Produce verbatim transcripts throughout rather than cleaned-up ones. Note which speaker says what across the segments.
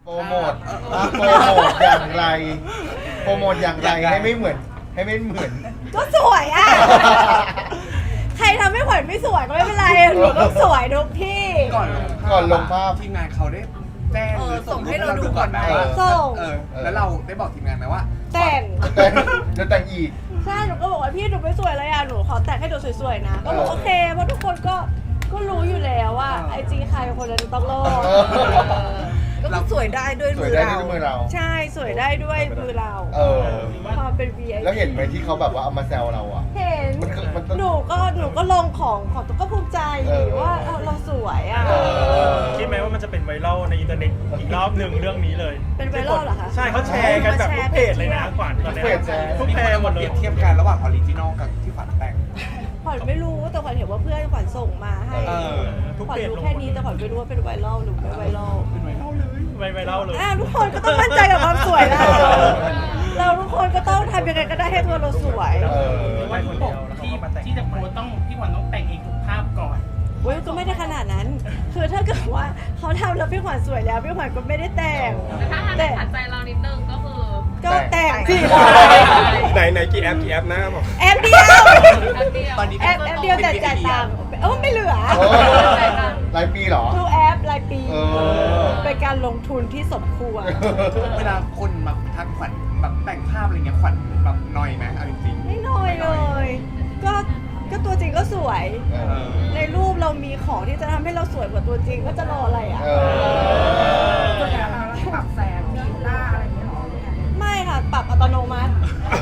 Speaker 1: โปรโมทอ่ะโปรโมทอย่างไรโปรโมทอย่างไรให้ไม่เหมือนให้ไม่เหมือน
Speaker 2: ก็สวยอ่ะ ใครทำให้ขวัญไม่สวยก็ไม่เป็นไรหนูต้องสวยทุกที่
Speaker 3: ก่อน
Speaker 1: ก่อนลงภาพ
Speaker 3: ทีมงานเขาได้แจ้ง
Speaker 2: เออ
Speaker 3: หรือ
Speaker 2: ส่งให้เราดูก่อนไหม
Speaker 3: ว่า
Speaker 2: ส่ง
Speaker 3: เออแล้วเราได้บอกทีมงานไหมว่า
Speaker 2: แต่ง
Speaker 1: จะแต่งจะแต่งอีก
Speaker 2: ใช่หนูก็บอกว่าพี่หนูไม่สวยเลยอ่ะหนูขอแต่งให้ดูสวยๆนะก็บอก
Speaker 1: เออ
Speaker 2: โอเคเพราะทุกคนก็ก็รู้อยู่แล้วว่าไอจีใครคนนั้นต้องโลก
Speaker 1: เออ
Speaker 2: ก็สวยได้ด้วย
Speaker 1: ส
Speaker 2: มื
Speaker 1: วย
Speaker 2: อ
Speaker 1: ได้
Speaker 2: เรา
Speaker 1: ด้วยมือเรา
Speaker 2: ใช่สวยได้ด้วยมือเรา
Speaker 1: เออ
Speaker 2: ความเป็น วี ไอ พี
Speaker 1: แล้วเห็นไหมที่เขาแบบว่าเอามาแซวเราอ่ะ
Speaker 2: เห็น
Speaker 1: มันคือมัน
Speaker 2: หนูก็หนูก็ลงของของตัวก็ภูมิใจ
Speaker 1: เออ
Speaker 2: ว่าเออเราสวยอ่ะ
Speaker 1: เออ
Speaker 4: คิดไหมว่ามันจะเป็นไวรัลในอินเทอร์เน็ตอีกรอบหนึ่งเรื่องนี้เลย
Speaker 2: เป็นไวรัลเหรอคะ
Speaker 4: ใช่เขาแชร์กันแบบทุกเพจเลยนะขวัญตอนเนี้ย
Speaker 1: ทุกเพจแชร์
Speaker 4: ทุก
Speaker 3: มี
Speaker 4: เพ
Speaker 3: คน
Speaker 4: จ
Speaker 3: เอา
Speaker 4: หม
Speaker 3: มา
Speaker 4: ด
Speaker 3: เป
Speaker 4: เล
Speaker 3: รี
Speaker 4: ย
Speaker 3: ยบเทียบกันระหว่างออริจินอลกับที่ฝันแต่ง
Speaker 2: ขวัญไม่รู้แต่ขวัญเห็นว่าเพื่อนขวัญส่งมาให้
Speaker 3: เออ
Speaker 4: ทุก
Speaker 2: ขวัญ
Speaker 4: เพจ
Speaker 2: รู้
Speaker 4: ลง
Speaker 2: แค่นี้แต่ขวัญไม่รู้ว่าเป็นไวรัลหรือไม่ไวรัล
Speaker 4: ไม่ไวรัลเลย
Speaker 2: อ่ะทุกคนก็ต้องมั่นใจกับความสวยเราเราทุกคนก็ต้องทำยังไงก็ได้ให้ตัวเราสวย
Speaker 1: เออ
Speaker 4: ไม่คนเดียวแล้วเขา
Speaker 5: ที่
Speaker 4: ก็มาแต่ง
Speaker 5: ที่จะโพสต์ต้องพี่ขวัญต้องแต่งเองทุกภาพก่อน
Speaker 2: เว้ยก็ไม่ได้ขนาดนั้น คือถ้าเกิดว่าเขาทำแล้วพี่ขวัญสวยแล้วพี่ขวัญก็ไม่ได้แต่ง
Speaker 6: ถ้าทำให้ขัดใจเรานิดนึงก็คือ
Speaker 2: ก็แต่งสิ
Speaker 7: ไหนไหนกี่แอปกี่แอปนะบอก
Speaker 2: แอปเดียว
Speaker 6: แป๊บเดียว
Speaker 3: ตอนนี้
Speaker 2: แอปแอปเดียวแต่จ่ายตังค์เออไม่เหลือ
Speaker 1: โอ้รายปีเหรอ
Speaker 2: ทูแอปรายปี
Speaker 1: เออ
Speaker 2: เป็นการลงทุนที่สมควร
Speaker 3: เวลาคนมาทักขวัญแบบแต่งภาพอะไรเงี้ยขวัญแบบนอยไหมเอาจริงๆ
Speaker 2: ไม่น้อยเลย ก็ก็ตัวจริงก็สวย
Speaker 1: เออ
Speaker 2: ในรูปเรามีของที่จะทำให้เราสวยกว่าตัวจริงก็จะรออะไรอ่ะ
Speaker 1: เออ
Speaker 8: ปรับแสงบีบหน้าอะไรอย่างเงี้ยหรอ
Speaker 2: ไม่ค่ะ ปรับอัตโนมัติ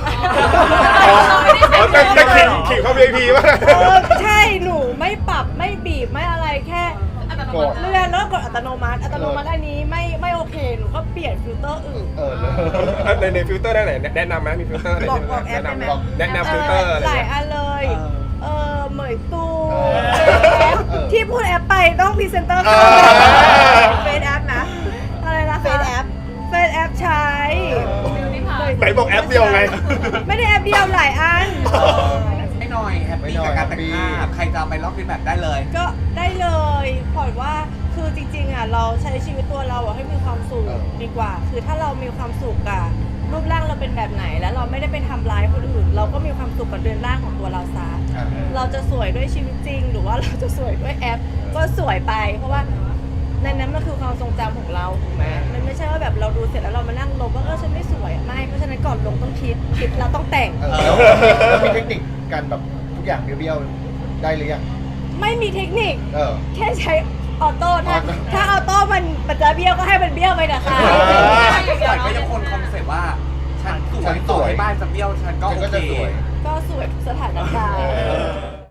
Speaker 7: อ๋อแต่แต่ขิงขิงเขา วี ไอ พี ป่ะ
Speaker 2: เออใช่หนูไม่ปรับไม่บีบไม่อะไรแค่
Speaker 6: อัตโน
Speaker 1: ก
Speaker 6: มั
Speaker 1: ด
Speaker 6: ติ
Speaker 2: เลื่อนแล้วก็กดอัตโนมัติ อัตโนมัติอันนี้ไม่ไม่โอเคหนูก็เปลี่ยนฟิลเตอร์อื่น
Speaker 1: เออเลย
Speaker 7: ในในฟิลเตอร์ได้ไหนแนะนำไหมมีฟิลเตอร์อะไร
Speaker 2: บอก
Speaker 7: ที่
Speaker 2: บอกแอปได้ไหม
Speaker 7: แนะนำแนะนำฟิลเตอร์อะไร
Speaker 2: หลาย
Speaker 7: เงี้ย
Speaker 2: อันเลย เออเหมยตู
Speaker 1: เออ
Speaker 2: แอป
Speaker 1: เออ
Speaker 2: ที่พูดแอปไปต้องพรีเซนเตอร์
Speaker 7: เอ
Speaker 2: ค่ะ
Speaker 7: อ
Speaker 2: เฟซแอปนะ อะไรนะคะเฟซแอปเฟซแอปใช้
Speaker 6: บิวตี้พาร์
Speaker 7: ไหนบอกแอปเดียวไง
Speaker 2: ไม่ได้แอปเดียวหลายอัน
Speaker 3: ไม่น้อยแฮปปี้กับการแต่งภาพใครจะเอาไปลอกเลียนแบบได้เลย
Speaker 2: ก็ได้เลยขวัญว่าคือจริงๆอ่ะเราใช้ชีวิตตัวเราอ่ะให้มีความสุข
Speaker 1: เออ
Speaker 2: ดีกว่า คือถ้าเรามีความสุขอ่ะรูปร่างเราเป็นแบบไหนแล้วเราไม่ได้ไปทำร้ายคนอื่น เราก็มีความสุขกับเรือนร่างของตัวเราซะ
Speaker 1: อ่ะ
Speaker 2: เราจะสวยด้วยชีวิตจริง หรือว่าเราจะสวยด้วยแอป ก็สวยไป เพราะว่าในนั้นมันคือความทรงจำของเราถูกไหมมันไม่ใช่ว่าแบบเราดูเสร็จแล้วเรามานั่งลบว่าเออฉันไม่สวยไม่เพราะฉะนั้นก่อนลงต้องคิดคิดแล้วต้องแต่ง
Speaker 1: เออแล้วแล้วมีเทคนิคการแบบทุกอย่างเบี้ยวๆได้หรือยัง
Speaker 2: ไม่มีเทคนิค
Speaker 1: เออ
Speaker 2: แค่ใช้ออโต้ถ้า
Speaker 1: ออโต้
Speaker 2: ถ้าออโต้มันมันจะเบี้ยวก็ให้มันเบี้ยวไปนะคะ
Speaker 1: เออ
Speaker 3: ขวัญก็ยังคงคอนเซ็ปต์ว่า ฉันสวยต่อให้บ้านจะเบี้ยวฉันก็
Speaker 1: ฉัน
Speaker 3: โอ
Speaker 1: ก็
Speaker 3: เค
Speaker 1: จะสวย
Speaker 2: ก็สวยทุกสถานการณ์